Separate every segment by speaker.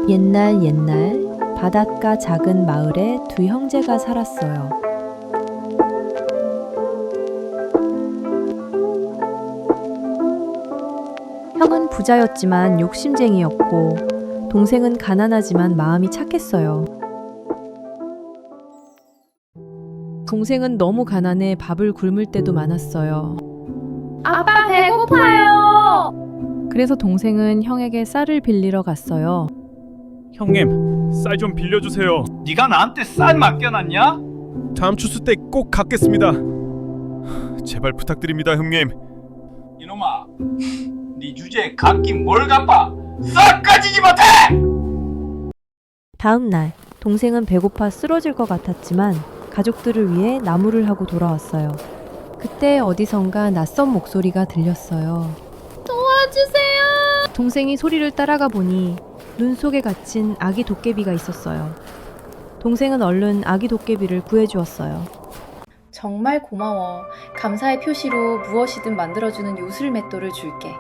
Speaker 1: 옛날 옛날 바닷가 작은 마을에 두 형제가 살았어요. 형은 부자였지만 욕심쟁이였고 동생은 가난하지만 마음이 착했어요. 동생은 너무 가난해 밥을 굶을 때도 많았어요.
Speaker 2: 아빠 배고파요.
Speaker 1: 그래서 동생은 형에게 쌀을 빌리러 갔어요.
Speaker 3: 형님, 쌀 좀 빌려주세요.
Speaker 4: 네가 나한테 쌀 맡겨놨냐?
Speaker 3: 다음 추수 때 꼭 갚겠습니다. 제발 부탁드립니다, 형님.
Speaker 4: 이놈아, 네 주제에 갚긴 뭘 갚아? 쌀 가지지 못해!
Speaker 1: 다음 날 동생은 배고파 쓰러질 것 같았지만 가족들을 위해 나무를 하고 돌아왔어요. 그때 어디선가 낯선 목소리가 들렸어요.
Speaker 2: 도와주세요.
Speaker 1: 동생이 소리를 따라가 보니 눈 속에 갇힌 아기 도깨비가 있었어요. 동생은 얼른 아기 도깨비를 구해주었어요.
Speaker 2: 정말 고마워. 감사의 표시로 무엇이든 만들어주는 요술 맷돌을 줄게.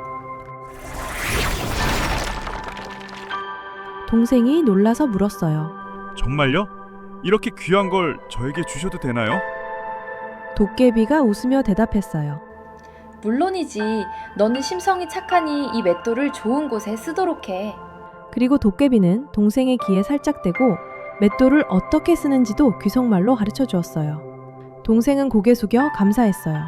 Speaker 1: 동생이 놀라서 물었어요.
Speaker 3: 정말요? 이렇게 귀한 걸 저에게 주셔도 되나요?
Speaker 1: 도깨비가 웃으며 대답했어요.
Speaker 2: 물론이지. 너는 심성이 착하니 이 맷돌을 좋은 곳에 쓰도록 해.
Speaker 1: 그리고 도깨비는 동생의 귀에 살짝 대고 맷돌을 어떻게 쓰는지도 귀속말로 가르쳐 주었어요. 동생은 고개 숙여 감사했어요.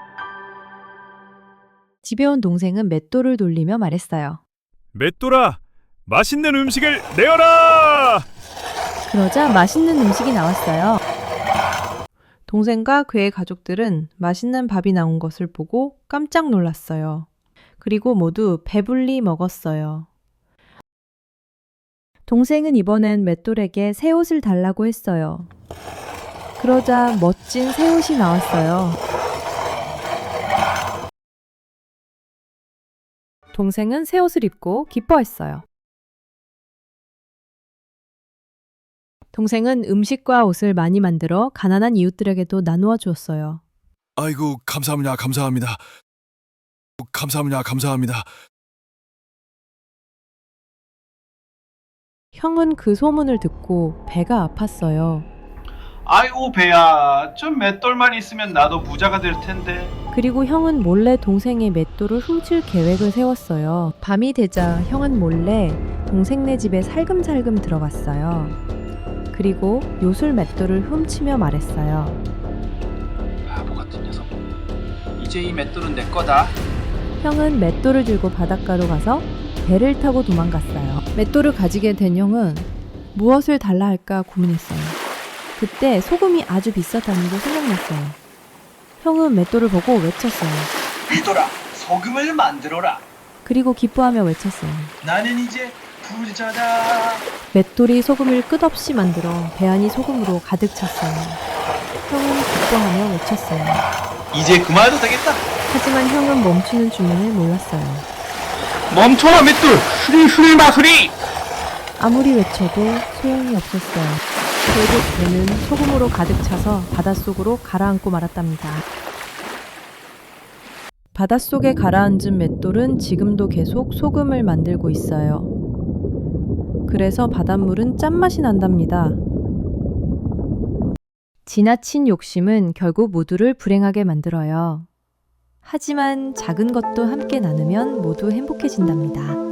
Speaker 1: 집에 온 동생은 맷돌을 돌리며 말했어요.
Speaker 3: 맷돌아, 맛있는 음식을 내어라!
Speaker 1: 그러자 맛있는 음식이 나왔어요. 동생과 그의 가족들은 맛있는 밥이 나온 것을 보고 깜짝 놀랐어요. 그리고 모두 배불리 먹었어요. 동생은 이번엔 맷돌에게 새 옷을 달라고 했어요. 그러자 멋진 새 옷이 나왔어요. 동생은 새 옷을 입고 기뻐했어요. 동생은 음식과 옷을 많이 만들어 가난한 이웃들에게도 나누어 주었어요.
Speaker 5: 아이고, 감사합니다. 감사합니다.
Speaker 1: 형은 그 소문을 듣고 배가 아팠어요.
Speaker 4: 아이고 배야, 좀 맷돌만 있으면 나도 부자가 될 텐데.
Speaker 1: 그리고 형은 몰래 동생의 맷돌을 훔칠 계획을 세웠어요. 밤이 되자 형은 몰래 동생네 집에 살금살금 들어갔어요. 그리고 요술 맷돌을 훔치며 말했어요.
Speaker 4: 바보 같은 녀석. 이제 이 맷돌은 내 거다.
Speaker 1: 형은 맷돌을 들고 바닷가로 가서 배를 타고 도망갔어요. 맷돌을 가지게 된 형은 무엇을 달라 할까 고민했어요. 그때 소금이 아주 비쌌다는 게 생각났어요. 형은 맷돌을 보고 외쳤어요.
Speaker 4: 이돌아, 소금을 만들어라.
Speaker 1: 그리고 기뻐하며 외쳤어요.
Speaker 4: 나는 이제 부자다.
Speaker 1: 맷돌이 소금을 끝없이 만들어 배 안이 소금으로 가득 찼어요. 형은 기뻐하며 외쳤어요.
Speaker 4: 이제 그만해도 되겠다.
Speaker 1: 하지만 형은 멈추는 주문을 몰랐어요.
Speaker 4: 멈춰라 맷돌. 수리 마수리.
Speaker 1: 아무리 외쳐도 소용이 없었어요. 결국 배는 소금으로 가득 차서 바닷속으로 가라앉고 말았답니다. 바닷속에 가라앉은 맷돌은 지금도 계속 소금을 만들고 있어요. 그래서 바닷물은 짠맛이 난답니다. 지나친 욕심은 결국 모두를 불행하게 만들어요. 하지만 작은 것도 함께 나누면 모두 행복해진답니다.